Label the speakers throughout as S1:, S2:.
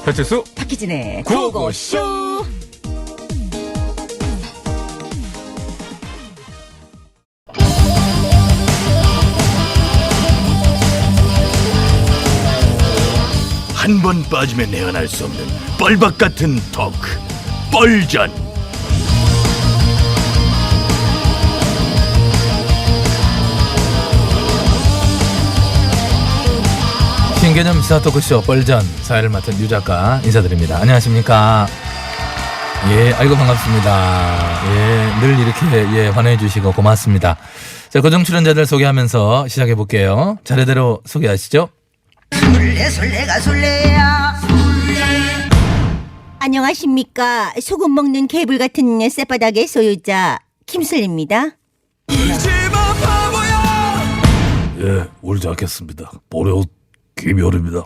S1: 배칠수
S2: 박희진의
S1: 구호고쇼.
S3: 한 번 빠지면 헤어날 수 없는 뻘박 같은 토크, 뻘전.
S4: 신개념 시사 토크쇼 뻘전 사회를 맡은 유 작가 인사드립니다. 안녕하십니까? 예, 아이고 반갑습니다. 예, 늘 이렇게 환호해 주시고 고맙습니다. 자, 고정 출연자들 소개하면서 시작해 볼게요. 차례대로 소개하시죠.
S2: 술래가 술래야. 안녕하십니까. 소금 먹는 개불 같은 쌔바닥의 소유자 김슬입니다.
S4: 예, 울지 않겠습니다. 보레옷 김효리입니다.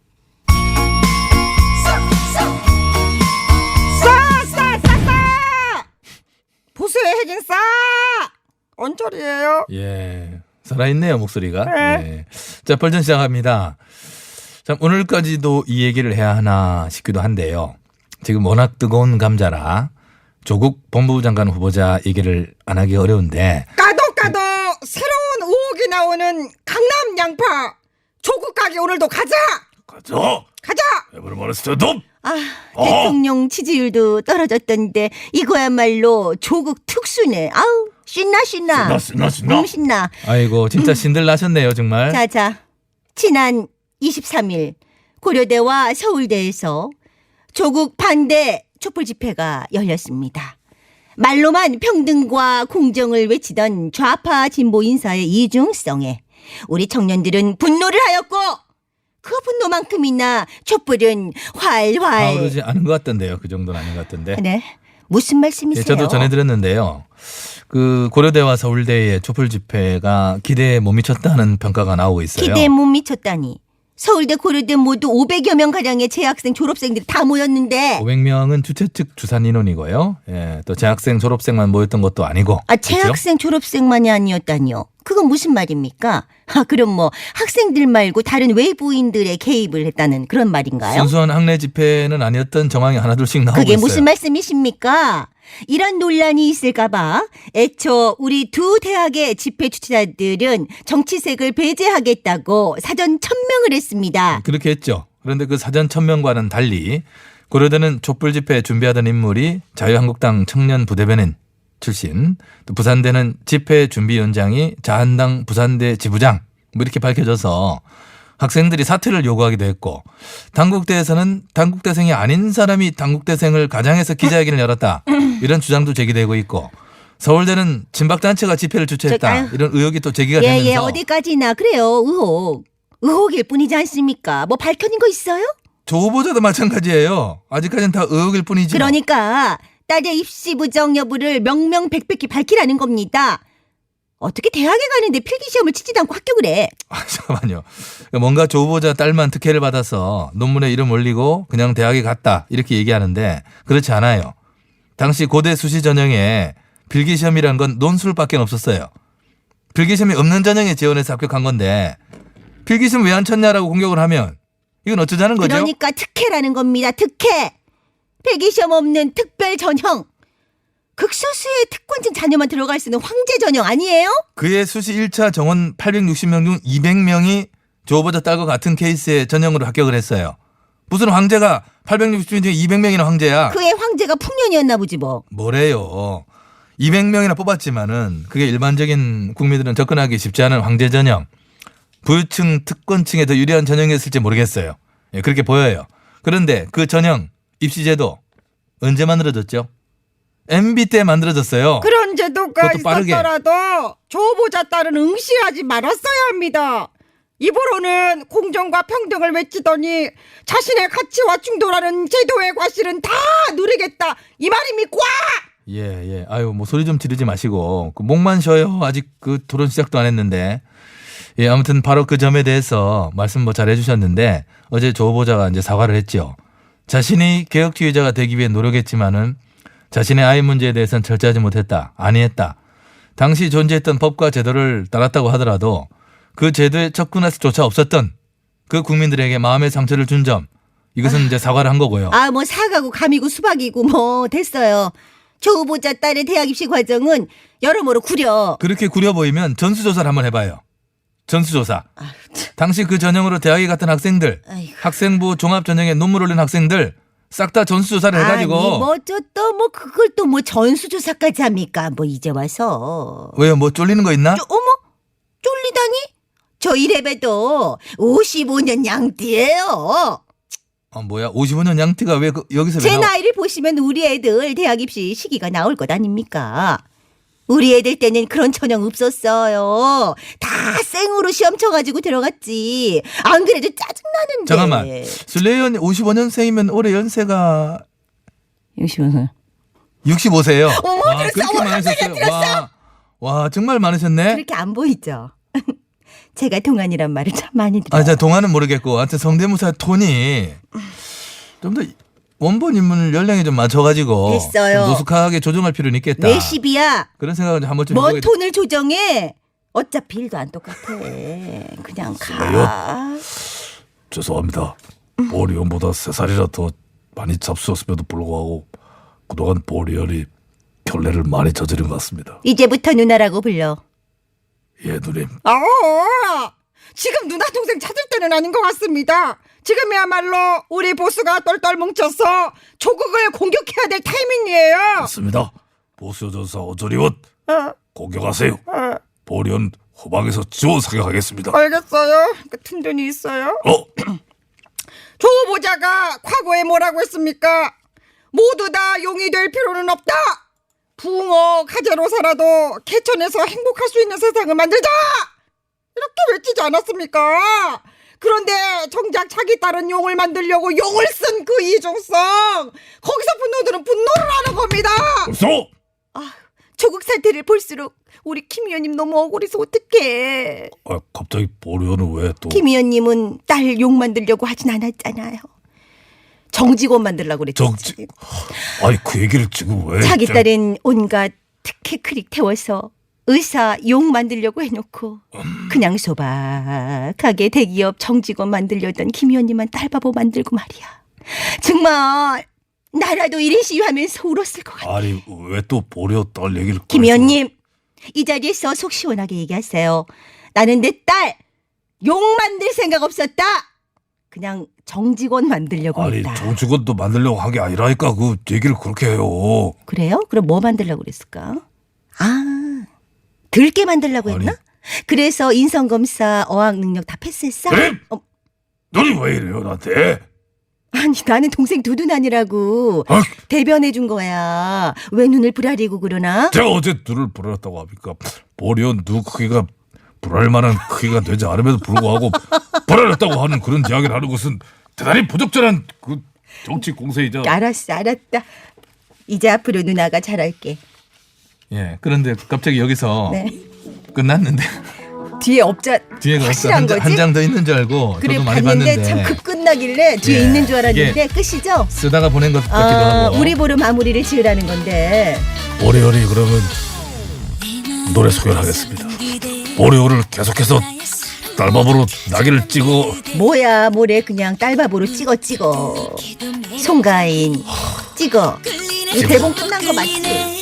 S2: 보수의 핵인 싸. 언저리예요.
S4: 예, 살아있네요 목소리가.
S2: 네.
S4: 예. 자, 뻘전 시작합니다. 참 오늘까지도 이 얘기를 해야 하나 싶기도 한데요. 지금 워낙 뜨거운 감자라 조국 법무부 장관 후보자 얘기를 안 하기 어려운데.
S5: 까도 새로운 의혹이 나오는 강남 양파 조국 가게 오늘도 가자.
S3: 에브리바디 스탠드업.
S2: 대통령 지지율도 떨어졌던데 이거야말로 조국 특수네. 아우 신나. 신나.
S4: 아이고 진짜 신들 나셨네요 정말.
S2: 자. 지난 23일 고려대와 서울대에서 조국 반대 촛불 집회가 열렸습니다. 말로만 평등과 공정을 외치던 좌파 진보 인사의 이중성에 우리 청년들은 분노를 하였고 그 분노만큼이나 촛불은 활활.
S4: 오르지 않은 것 같던데요. 그 정도는 아닌 것 같던데.
S2: 네. 무슨 말씀이세요?
S4: 예, 저도 전해드렸는데요. 그 고려대와 서울대의 촛불 집회가 기대에 못 미쳤다는 평가가 나오고 있어요.
S2: 기대에 못 미쳤다니. 서울대 고려대 모두 500여 명 가량의 재학생 졸업생들이 다 모였는데
S4: 500명은 주최 측 주산 인원이고요. 예, 또 재학생 졸업생만 모였던 것도 아니고.
S2: 재학생 졸업생만이 아니었다니요. 그건 무슨 말입니까? 그럼 뭐 학생들 말고 다른 외부인들의 개입을 했다는 그런 말인가요?
S4: 순수한 학내 집회는 아니었던 정황이 하나둘씩 나오고
S2: 그게
S4: 있어요.
S2: 무슨 말씀이십니까? 이런 논란이 있을까봐 애초 우리 두 대학의 집회 주최자들은 정치색을 배제하겠다고 사전 천명을 했습니다.
S4: 그렇게 했죠. 그런데 그 사전 천명과는 달리 고려대는 촛불 집회 준비하던 인물이 자유한국당 청년 부대변인 출신, 또 부산대는 집회 준비위원장이 자한당 부산대 지부장 뭐 이렇게 밝혀져서 학생들이 사퇴를 요구하기도 했고, 당국대에서는 당국대생이 아닌 사람이 당국대생을 가장해서 기자회견을 열었다 이런 주장도 제기되고 있고, 서울대는 진박단체가 집회를 주최했다 이런 의혹이 또 제기가 되면서.
S2: 예, 어디까지나 그래요. 의혹일 뿐이지 않습니까? 뭐 밝혀진 거 있어요?
S4: 조 후보자도 마찬가지예요. 아직까지는 다 의혹일 뿐이지.
S2: 그러니까 딸의 입시 부정 여부를 명명백백히 밝히라는 겁니다. 어떻게 대학에 가는데 필기시험을 치지도 않고 합격을 해?
S4: 잠깐만요. 뭔가 조 후보자 딸만 특혜를 받아서 논문에 이름 올리고 그냥 대학에 갔다 이렇게 얘기하는데 그렇지 않아요. 당시 고대 수시 전형에 필기시험이란 건 논술밖에 없었어요. 필기시험이 없는 전형에 지원해서 합격한 건데 필기시험 왜 안 쳤냐라고 공격을 하면 이건 어쩌자는 거죠?
S2: 그러니까 특혜라는 겁니다. 특혜. 필기시험 없는 특별 전형. 극소수의 특권층 자녀만 들어갈 수 있는 황제 전형 아니에요?
S4: 그의 수시 1차 정원 860명 중 200명이 조 후보자 딸과 같은 케이스의 전형으로 합격을 했어요. 무슨 황제가 860명 중에 200명이나 황제야.
S2: 그의 황제가 풍년이었나 보지 뭐.
S4: 뭐래요. 200명이나 뽑았지만은 그게 일반적인 국민들은 접근하기 쉽지 않은 황제 전형. 부유층 특권층에 더 유리한 전형이었을지 모르겠어요. 예, 그렇게 보여요. 그런데 그 전형 입시제도 언제 만들어졌죠? MB 때 만들어졌어요.
S5: 그런 제도가
S4: 그것도 빠르게.
S5: 있었더라도 조 후보자 딸은 응시하지 말았어야 합니다. 입으로는 공정과 평등을 외치더니 자신의 가치와 충돌하는 제도의 과실은 다 누리겠다 이 말입니까?
S4: 예. 아유, 뭐 소리 좀 지르지 마시고 그 목만 쉬어요. 아직 그 토론 시작도 안 했는데. 예, 아무튼 바로 그 점에 대해서 말씀 뭐 잘 해주셨는데 어제 조 후보자가 이제 사과를 했죠. 자신이 개혁주의자가 되기 위해 노력했지만은 자신의 아이 문제에 대해서는 철저하지 못했다. 아니했다. 당시 존재했던 법과 제도를 따랐다고 하더라도 그 제도에 접근할 수조차 없었던 그 국민들에게 마음의 상처를 준 점, 이것은 이제 사과를 한 거고요.
S2: 아, 뭐 사과고 감이고 수박이고 뭐 됐어요. 조 후보자 딸의 대학 입시 과정은 여러모로 구려.
S4: 그렇게 구려 보이면 전수조사를 한번 해봐요. 전수조사. 당시 그 전형으로 대학에 갔던 학생들,
S2: 아이고.
S4: 학생부 종합전형에 논문 올린 학생들 싹 다 전수조사를 해가지고.
S2: 아니 뭐 그걸 또 뭐 전수조사까지 합니까? 뭐 이제 와서.
S4: 왜요? 뭐 쫄리는 거 있나?
S2: 어머, 쫄리다니? 저 이래봬도 55년 양띠예요.
S4: 뭐야? 55년 양띠가 왜 여기서 왜
S2: 제
S4: 나와?
S2: 나이를 보시면 우리 애들 대학 입시 시기가 나올 것 아닙니까? 우리 애들 때는 그런 전형 없었어요. 다 생으로 시험 쳐가지고 들어갔지. 안 그래도 짜증나는데.
S4: 잠깐만. 슬레이언 55년생이면 올해 연세가 65세요.
S2: 어머, 들었어.
S4: 그렇게
S2: 어머,
S4: 많으셨어요.
S2: 깜짝이야,
S4: 와, 정말 많으셨네.
S2: 그렇게 안 보이죠? 제가 동안이란 말을 참 많이 들어요.
S4: 제가 동안은 모르겠고, 하여튼 성대모사 톤이 좀 더 원본 인물 연령에 좀 맞춰가지고
S2: 됐어요.
S4: 좀 노숙하게 조정할 필요는 있겠다.
S2: 왜 10이야?
S4: 그런 생각을 한번 좀
S2: 뭔
S4: 해보게
S2: 톤을 조정해? 어차피 일도 안 똑같아. 그냥 가.
S3: 죄송합니다. 보리언보다 3살이라 더 많이 잡수었음에도 불구하고 그동안 보리언이 결례를 많이 저지른 것 같습니다.
S2: 이제부터 누나라고 불러.
S3: 예, 누님.
S5: 지금 누나 동생 찾을 때는 아닌 것 같습니다. 지금이야말로 우리 보스가 똘똘 뭉쳐서 조국을 공격해야 될 타이밍이에요.
S3: 맞습니다. 보수 전사 어조리원 공격하세요. 보리언 후방에서 지원 사격하겠습니다.
S5: 알겠어요. 같은 돈이 있어요. 조 후보자가 과거에 뭐라고 했습니까? 모두 다 용이 될 필요는 없다. 붕어 가재로 살아도 개천에서 행복할 수 있는 세상을 만들자. 이렇게 외치지 않았습니까? 그런데 정작 자기 딸은 용을 만들려고 용을 쓴 그 이중성, 거기서 분노들은 분노를 하는 겁니다.
S3: 벌써
S2: 조국 사태를 볼수록 우리 김 의원님 너무 억울해서 어떡해.
S3: 갑자기 보리언은 왜 또?
S2: 김 의원님은 딸 용 만들려고 하진 않았잖아요. 정직원 만들려고 그랬지.
S3: 그 얘기를 지금 왜?
S2: 자기 딸은 온갖 특혜 크릭 태워서 의사 용 만들려고 해놓고 그냥 소박하게 대기업 정직원 만들려던 김 의원님만 딸바보 만들고 말이야. 정말 나라도 1인 시위하면서 울었을 것 같아.
S3: 아니 왜 또 보리언 딸 얘기를?
S2: 김 의원님 이 자리에서 속 시원하게 얘기하세요. 나는 내 딸 용 만들 생각 없었다. 그냥 정직원 만들려고
S3: 아니
S2: 했다.
S3: 정직원도 만들려고 한 게 아니라니까 그 얘기를 그렇게 해요.
S2: 그래요? 그럼 뭐 만들려고 그랬을까? 들게 만들려고 했나?
S3: 아니.
S2: 그래서 인성검사 어학 능력 다 패스했어?
S3: 그래? 너는 왜 이래요 나한테?
S2: 아니 나는 동생 두둔아니라고 대변해 준 거야. 왜 눈을 부라리고 그러나?
S3: 제가 어제 눈을 불었다고 합니까? 보리언 눈 크기가 불알 만한 크기가 되지 않음에도 불구하고 불알았다고 하는 그런 이야기를 하는 것은 대단히 부적절한 그 정치 공세이자.
S2: 알았다. 이제 앞으로 누나가 잘할게.
S4: 예. 그런데 갑자기 여기서
S2: 네.
S4: 끝났는데
S2: 뒤에 없자
S4: 뒤에가
S2: 확실한 거지?
S4: 한 장 더 있는 줄 알고
S2: 그래
S4: 저도 많이
S2: 봤는데
S4: 봤는데
S2: 참 급 끝나길래 뒤에
S4: 예,
S2: 있는 줄 알았는데
S4: 이게
S2: 끝이죠?
S4: 쓰다가 보낸 것 같기도 하고.
S2: 우리 보러 마무리를 지으라는 건데
S3: 보리언이 그러면 노래 소개를 하겠습니다. 보리언을 계속해서 딸밥으로 낙이를 찍어.
S2: 뭐야 뭐래 그냥 딸밥으로 찍어 송가인 찍어. 이 대본 끝난 거 맞지?